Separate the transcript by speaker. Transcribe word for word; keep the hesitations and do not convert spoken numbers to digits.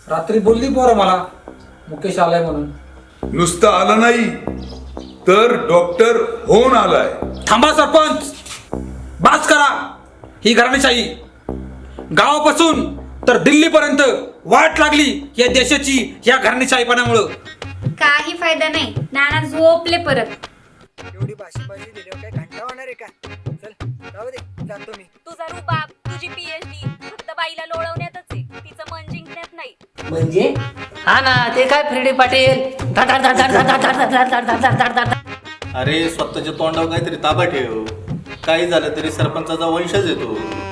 Speaker 1: रात्री बोलली पोरं मला मुकेश आलाय म्हणून.
Speaker 2: नुसतं आलं नाही तर डॉक्टर होऊन आलाय.
Speaker 1: थांबा सरपंच, बास करा. ही घराणेशाही गावापासून तर दिल्लीपर्यंत वाट लागली या देशाची या घराणेशाहीपणामुळं.
Speaker 3: काही फायदा नाही, नाना झोपले परत.
Speaker 4: एवढी भाषेबाजी दिल्यावर काय घंटा होणार आहे का? चल जाऊ दे, जातो मी.
Speaker 5: तुझा रुबाब, तुझी पीएचडी फक्त बाईला लोळवण्यातच आहे, तिचं मन जिंकण्यात नाही.
Speaker 6: म्हणजे हा ना, ते काय फ्रेडी पाटील धड धड धड धड धड धड धड धड धड धड धड धड धड.
Speaker 7: अरे स्वतःच्या तोंडावर काहीतरी ताबा ठेव. काही झालं तरी सरपंचाचा वंशच येतो.